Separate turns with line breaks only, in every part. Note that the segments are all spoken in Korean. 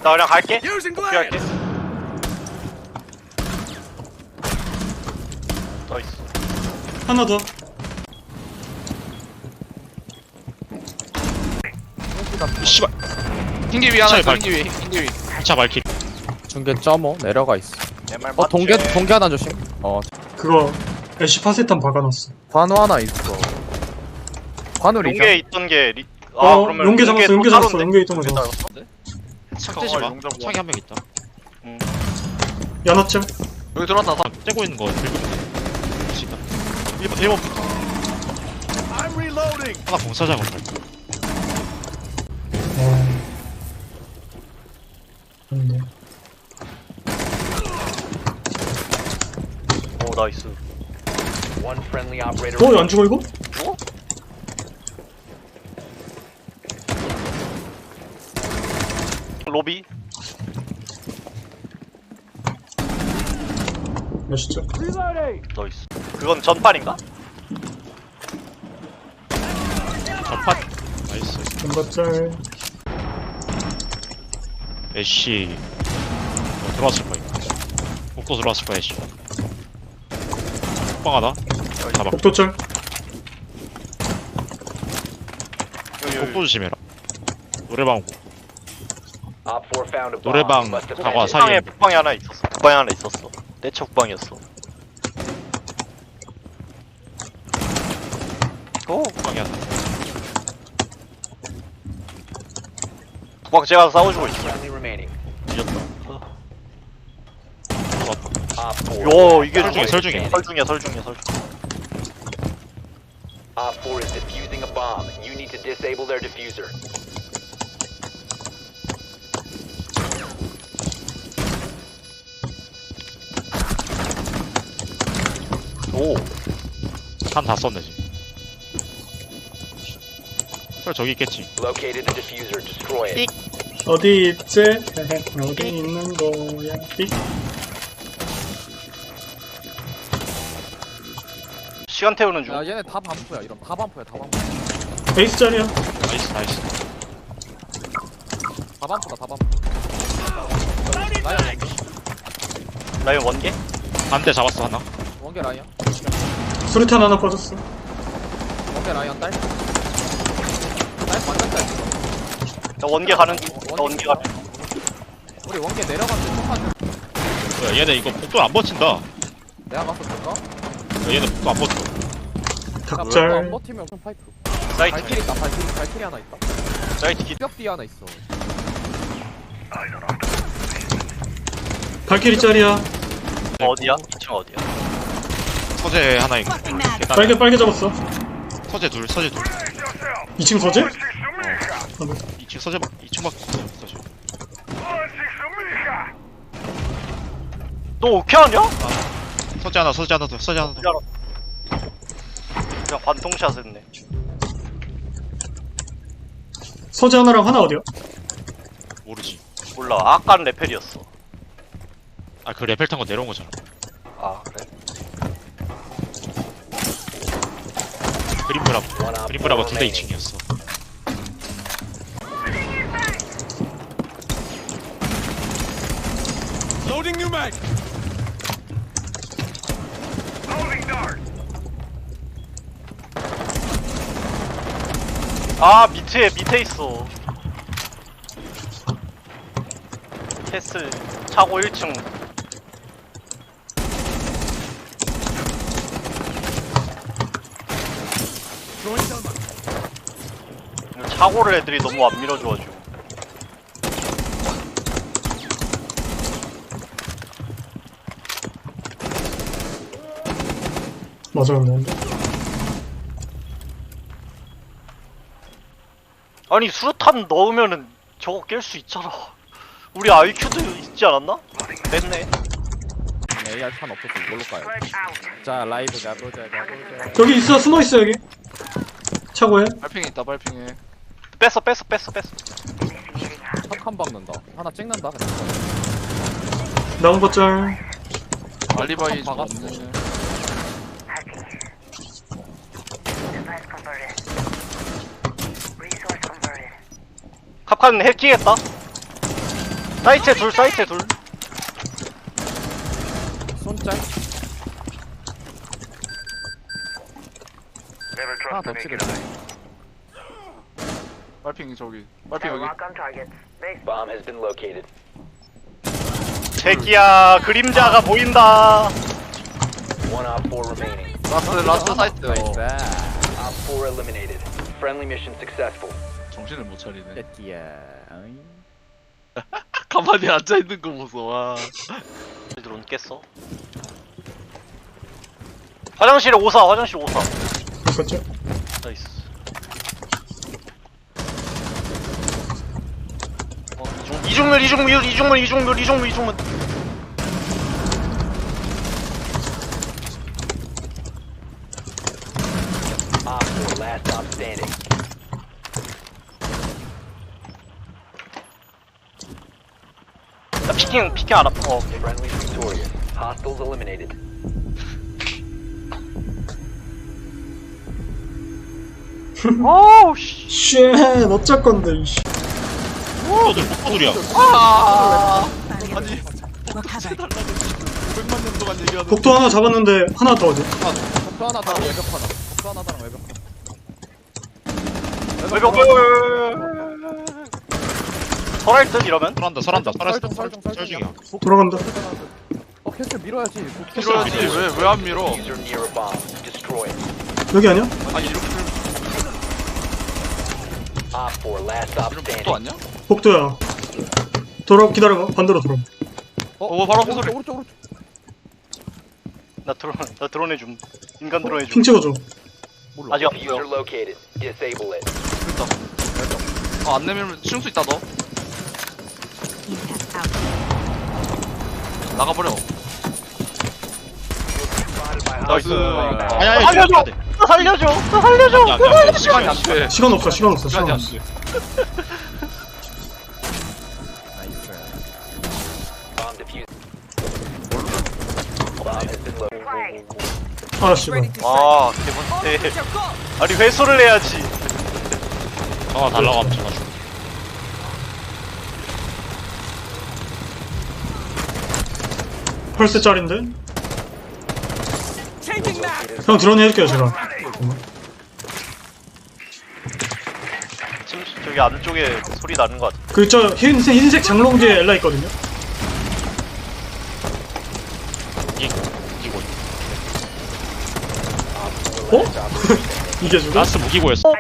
나 그냥 갈게. 복귀할게. 나이스.
하나 더.
씨발.
흰기 위 하나
차에
있어.
발-
흰기 위. 흰기 위.
2차 발킬.
중계 점어 내려가 있어.
내말
동계 하나 조심.
그거 애쉬 파세탄 박아놨어.
관우 하나 있어. 관우 리전.
용계에 있던 게 그러면
용계 잡았어. 용계 잡았어.
따로인데?
용계 있던 거 잡았어.
착대지 마. 창이 한 명 있다.
연합점.
여기 들어왔다. 다.
째고 있는 거 들고 있는. 지금. 1번부터. 하나 공사장으로 갈 거야.
네.
오 나이스.
안 죽어 이거?
로비.
몇시죠?
나이스. 그건 전판인가?
전판. 나이스.
연받짤.
애쉬. 들어왔을 거야. 복도 들어왔을 거야 애쉬. 빵 하나. 잡아.
복도짤.
복도 조심해라. 노래방. 노래방 다과
북방에
사이에.
북방에 하나 있었어. 북방에 하나 있었어. 내차 북방이었어. 오
빵이 하나.
북방 제가 싸워주고 있어.
뒤졌다.
요 이게
설중에, 설중에.
설중이야 설중이야 설중.
Op 4 is defusing a bomb. You need to disable their diffuser.
오
한 다 썼네 지금. 설 저기 있겠지.
Located the diffuser. Destroy it.
어디 있지? 어디 있는 거야? 삑.
시간 태우는 중.
야 얘네 다 반포야. 이런 다 반포야. 다 반포.
베이스 짤이야.
나이스 나이스.
다 반포다. 다 반포. 라이언
라이언 원개?
반대 잡았어 하나.
원개 라이언.
수류탄 하나 빠졌어.
원개 라이언 딸. 딸 완전 딸.
나 원개 가는 중. 나 원개 가는 중.
우리 원개 내려갔는데 폭탄.
야, 얘네 이거 복도 안 버틴다.
내가 가서 볼까?
야, 얘네 복도 안 버텨.
안
닭짤.
버티면 그럼 파이프.
사이트
발키리 있다. 발키리 하나 있다.
사이트 기.
뼈 뒤 하나 있어.
발키리 짤이야.
어디야? 2층 어디야?
서재 하나 있고.
빨개 빨개 잡았어.
서재 둘, 서재 둘.
2층 서재?
2층 서재 2층 밖에 없어. 서재.
너 오케이 하냐?
서재 하나, 서재 하나 더, 서재 하나 더.
그냥 관통샷 했네.
서재 하나랑 하나 어디야?
모르지.
몰라. 아까는 레펠이었어.
아, 그 레벨 탄 거 내려온 거잖아.
아 그래?
그린브라보 둘 다 2층이었어.
아 밑에 있어. 캐슬 차고 1층. 차고를 애들이 너무 안 밀어줘가지고.
맞았는데.
아니 수류탄 넣으면은 저거 깰 수 있잖아. 우리 IQ도 있지 않았나? 됐네.
AR 탄 없어서 이걸로 가야 돼. 자 라이브 가보자.
여기 있어. 숨어 있어 여기. 차고에.
빨핑에 있다. 빨핑에.
뺐어.
턱한 박는다. 하나 찍는다.
나온 거 짤.
알리바이 좀
박았어.
없네.
캅칸 해킹했다. 사이트에 둘, 사이트에 둘.
손짤. 하나 더 치겠다.
빨핑 저기. 빨핑 여기.
Bomb has been located.
새끼야, 그림자가 보인다.
One op 4 remaining.
라스트 사이트.
나이스.
Op 4 eliminated. Friendly mission successful.
정신을 못 차리네.
새끼야. 어이.
가만히 앉아 있는 거 보소. 와.
드론 깼어. 화장실에 오사, 화장실 오사.
바꿨죠?
나이스. 이중물.
Op 4 last stop standing.
나 피킹 안 아파. 오케이.
Friendly victorious. Hostiles eliminated.
어우, 씨.
쉣, 어쩔 건데, 이씨.
목도들이야.
아니. 500만 년 동안 얘기하는.
복도 하나 잡았는데, 하나 더 어디?
복도 하나 더 외벽 하나. 복도 하나 더 외벽 하나.
외벽. 설할 듯 이러면?
설한다.
설중.
돌아간다.
캐슬 밀어야지.
밀어야지. 왜 안 밀어?
User near a bomb. Destroy it.
여기 아니야?
아니 이렇게
Op 4 last stop
이런
standing.
복도 아니야?
복도야. 기다려봐. 반대로 돌아.
바로 앞에 소리.
오른쪽.
나 드론 해줌. 인간 드론 해줌.
핑 찍어줘.
아직 안
User
보여.
located. Disable it.
됐다. 안 내밀면 칠 수 있다 너. 나가버려. 나이스.
아야,
살려줘! 나 살려줘!
시간이 안 돼.
시간 없어. 시간 없어.
시간이 안
없어.
돼.
나이스.
Bomb defused. Bomb has been located.
아, 씨발.
와, 개먼데. 아니, 회수를 해야지.
달라고 하면 전화 줘.
펄스짜린데? 형 드론 해줄게요, 제가.
지금 저기 안쪽에 소리 나는 것 같아.
그, 저, 흰색 장롱 뒤에 엘라 있거든요?
무기고.
어? 이게 죽어?
라스 무기고였어.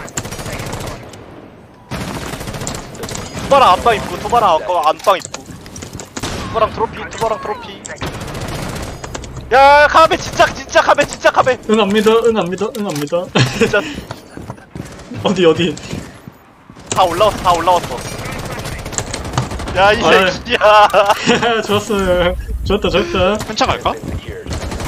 투바랑 안방 입구, 투바랑 안방 입구. 투바랑 트로피. 야, 카베 진짜 카베.
응, 안 믿어.
진짜
어디.
다 올라왔어. 야, 이
아이.
새끼야.
좋았어요. 좋았다.
현차 갈까?
Secured.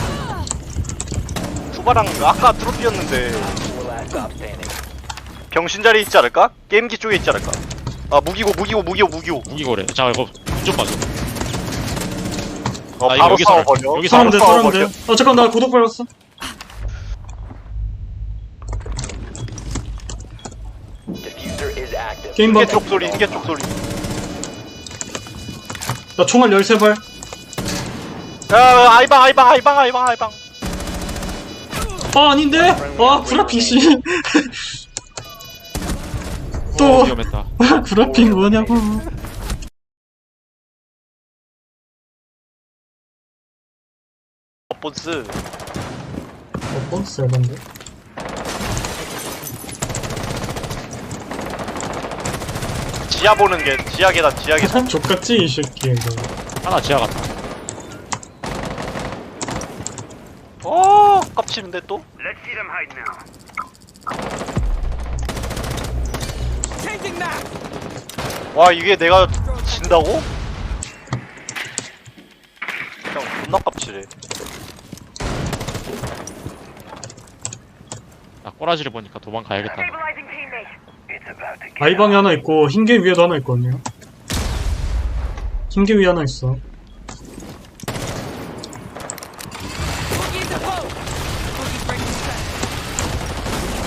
투바랑 아까 트로피였는데
4 last stop standing.
병신 자리에 있지 않을까? 게임기 쪽에 있지 않을까? 아, 무기고.
무기고래. 자, 이거 좀 봐줘.
어,
아, 이거
바로
여기
싸워버려.
여기
싸우면 돼.
싸워버려.
잠깐, 나 구독 밟았어.
Diffuser is active.
게임 방.
인계 쪽 소리.
나 총알 13발.
야, 아이방.
아, 아닌데? 아, 구라핑, 씨. 또,
위험했다.
구라핑 뭐냐고.
본스.
뻔스 해봤는데?
지하 보는 게 지하 계단.
족같지, 이 새끼, 이거.
하나 지하 갔다.
깝치는데 또? 와, 이게 내가 진다고? 그냥 존나 깝치래.
나 꼬라지를 보니까 도망가야겠다.
아이방에 하나 있고, 흰개 위에도 하나 있거든요. 흰개 위에 하나 있어.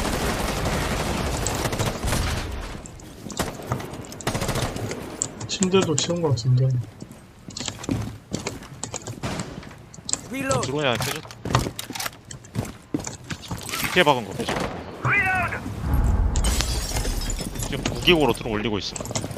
침대 실드도 치운 것 같은데.
드론이 안 켜졌다. 밑에 박은 거 빼줘. 지금 무기고로 드론 올리고 있어.